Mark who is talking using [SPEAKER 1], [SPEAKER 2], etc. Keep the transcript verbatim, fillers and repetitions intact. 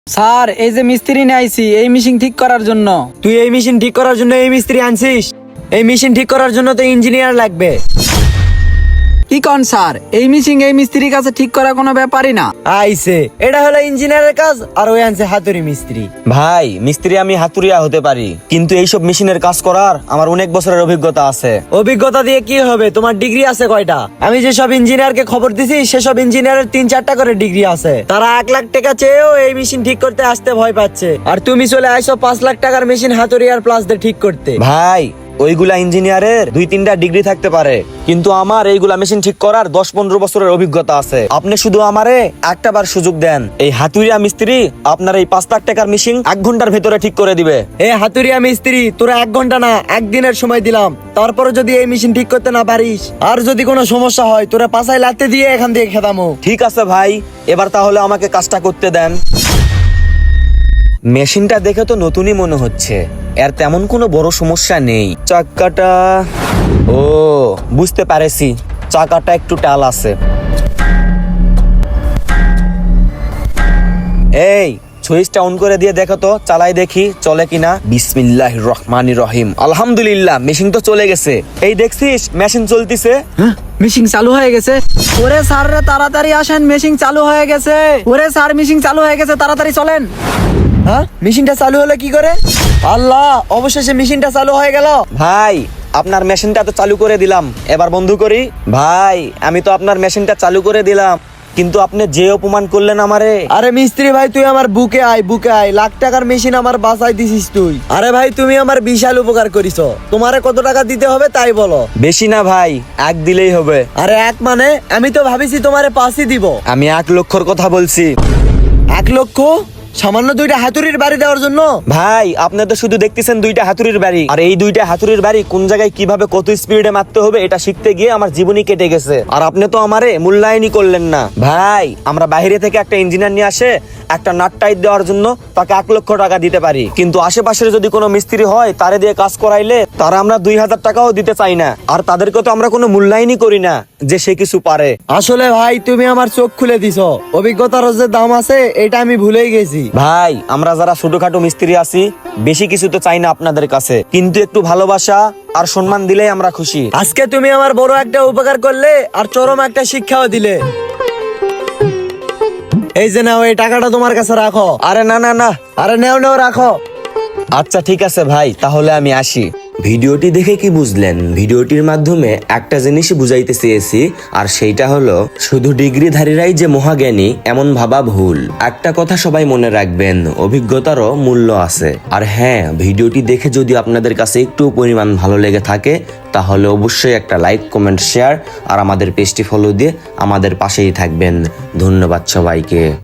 [SPEAKER 1] Sir এই যে মিস্ত্রি নিয়ে আইছি এই মেশিন ঠিক করার জন্য।
[SPEAKER 2] তুই এই মেশিন ঠিক করার জন্য এই মিস্ত্রি আনছিস? এই মেশিন ঠিক করার জন্য তো ইঞ্জিনিয়ার লাগবে।
[SPEAKER 1] কি কন স্যার, এই মেশিন এই মিস্ত্রির কাছে ঠিক করা কোনো ব্যাপারই না।
[SPEAKER 2] আইছে, এটা হলো ইঞ্জিনিয়ারের কাজ, আর ওই আনছে হাতুড়ি মিস্ত্রি।
[SPEAKER 3] ভাই মিস্ত্রি আমি হাতুড়িয়া হতে পারি, কিন্তু এইসব মেশিনের কাজ করার আমার অনেক বছরের অভিজ্ঞতা আছে।
[SPEAKER 2] অভিজ্ঞতা দিয়ে কি হবে? তোমার ডিগ্রি আছে কয়টা? আমি যে সব ইঞ্জিনিয়ারকে খবর দিছি সেসব ইঞ্জিনিয়ারের তিন চারটা করে ডিগ্রি আছে। তারা এক লাখ টাকা চেয়েও এই মেশিন ঠিক করতে আসতে ভয় পাচ্ছে, আর তুমি চলে আইসো পাঁচ লাখ টাকার মেশিন হাতুড়িয়ার প্লাস দিয়ে ঠিক করতে।
[SPEAKER 3] ভাই ওইগুলা ইঞ্জিনিয়ারের দুই তিনটা ডিগ্রি থাকতে পারে, কিন্তু আমার এইগুলা মেশিন ঠিক করার দশ পনেরো বছরের অভিজ্ঞতা আছে। আপনি শুধু আমারে একটা বার সুযোগ দেন, এই হাতুড়িয়া মিস্ত্রি আপনার এই পাঁচ লাখ টাকার মেশিন এক ঘন্টার ভেতরে ঠিক করে দিবে।
[SPEAKER 2] এ হাতুড়িয়া মিস্ত্রি, তোরা এক ঘন্টা না একদিনের সময় দিলাম, তারপরে যদি এই মেশিন ঠিক করতে না পারিস আর যদি কোনো সমস্যা হয় তোরা পাছায় লাতে দিয়ে এখান থেকে খেদামো।
[SPEAKER 3] ঠিক আছে ভাই, এবার তাহলে আমাকে কাজটা করতে দেন। মেশিনটা দেখে তো নতুনই মনে হচ্ছে, এর তেমন কোনো বড় সমস্যা নেই। চাকাটা, ও বুঝতে পারেছি, চাকাটা একটু টাল আছে। এই সুইচটা অন করে দিয়ে দেখো তো, চালাই দেখি চলে কিনা। বিসমিল্লাহির রহমানির রহিম। আলহামদুলিল্লাহ, মেশিন তো চলে গেছে। এই দেখছিস মেশিন চলতিছে।
[SPEAKER 1] হ্যাঁ, মেশিন চালু হয়ে গেছে। ওরে স্যার রে তাড়াতাড়ি আসেন, মেশিন চালু হয়ে গেছে। ওরে স্যার মেশিন চালু হয়ে গেছে, তাড়াতাড়ি চলেন।
[SPEAKER 2] হ্যাঁ, মেশিনটা চালু হলো কি করে? আল্লাহ, অবশেষে মেশিনটা চালু হয়ে গেল।
[SPEAKER 3] ভাই আপনার মেশিনটা তো চালু করে দিলাম, এবার বন্ধ করি। ভাই আমি তো আপনার মেশিনটা চালু করে দিলাম, কিন্তু আপনি যে অপমান করলেন আমারে।
[SPEAKER 2] আরে মিস্ত্রি ভাই, তুই আমার বুকে আয়, বুকে আয়। লাখ টাকার মেশিন আমার বাঁচাই দিছিস তুই। আরে ভাই, তুমি আমার বিশাল উপকার করিস। তোমারে কত টাকা দিতে হবে তাই বলো।
[SPEAKER 3] বেশি না ভাই, এক দিলেই হবে।
[SPEAKER 2] আরে এক মানে? আমি তো ভাবিছি তোমারে পাঁচই দিব।
[SPEAKER 3] আমি এক লক্ষর কথা বলছি।
[SPEAKER 2] এক লক্ষ? সামান্য দুইটা হাতুড়ির বাড়ি দেওয়ার জন্য?
[SPEAKER 3] ভাই আপনি তো শুধু দেখতেছেন দুইটা হাতুড়ির বাড়ি, আর এই দুইটা হাতুড়ির বাড়ি কোন জায়গায় কিভাবে কত স্পিডে মারতে হবে এটা শিখতে গিয়ে আমার জীবনই কেটে গেছে, আর আপনি তো আমারে মূল্যায়নই করলেন না। ভাই আমরা বাইরে থেকে একটা ইঞ্জিনিয়ার নিয়ে আসে একটা নাট টাইট দেওয়ার জন্য তাকে এক লক্ষ টাকা দিতে পারি, কিন্তু আশেপাশের যদি কোনো মিস্ত্রি হয় তারে দিয়ে কাজ করাইলে তারা আমরা দুই হাজার টাকাও দিতে চাই না, আর তাদেরকে তো আমরা কোনো মূল্যায়নই করি না যে সে কিছু পারে।
[SPEAKER 2] আসলে ভাই তুমি আমার চোখ খুলে দিছো, অভিজ্ঞতার যে দাম আছে এটা আমি ভুলেই গেছি।
[SPEAKER 3] ভাই আমরা যারা ছোটখাটো মিস্ত্রি আছি বেশি কিছু তো চাই না আপনাদের কাছে, কিন্তু একটু ভালোবাসা আর সম্মান দিলেই আমরা খুশি।
[SPEAKER 2] আজকে তুমি আমার বড় একটা উপকার করলে আর চরম একটা শিক্ষাও দিলে। এই যে নাও, এই টাকাটা তোমার কাছে রাখো।
[SPEAKER 3] আরে না না না,
[SPEAKER 2] আরে নেও নেও, রাখো।
[SPEAKER 3] আচ্ছা ঠিক আছে ভাই, তাহলে আমি আসি।
[SPEAKER 4] ভিডিওটি দেখে কি বুঝলেন? ভিডিওটির মাধ্যমে একটা জিনিসই বুঝাইতে চেয়েছি, আর সেইটা হলো শুধু ডিগ্রিধারীরাই যে মহাজ্ঞানী এমন ভাবা ভুল। একটা কথা সবাই মনে রাখবেন, অভিজ্ঞতারও মূল্য আছে। আর হ্যাঁ, ভিডিওটি দেখে যদি আপনাদের কাছে একটু পরিমাণ ভালো লেগে থাকে তাহলে অবশ্যই একটা লাইক, কমেন্ট, শেয়ার আর আমাদের পেজটি ফলো দিয়ে আমাদের পাশেই থাকবেন। ধন্যবাদ সবাইকে।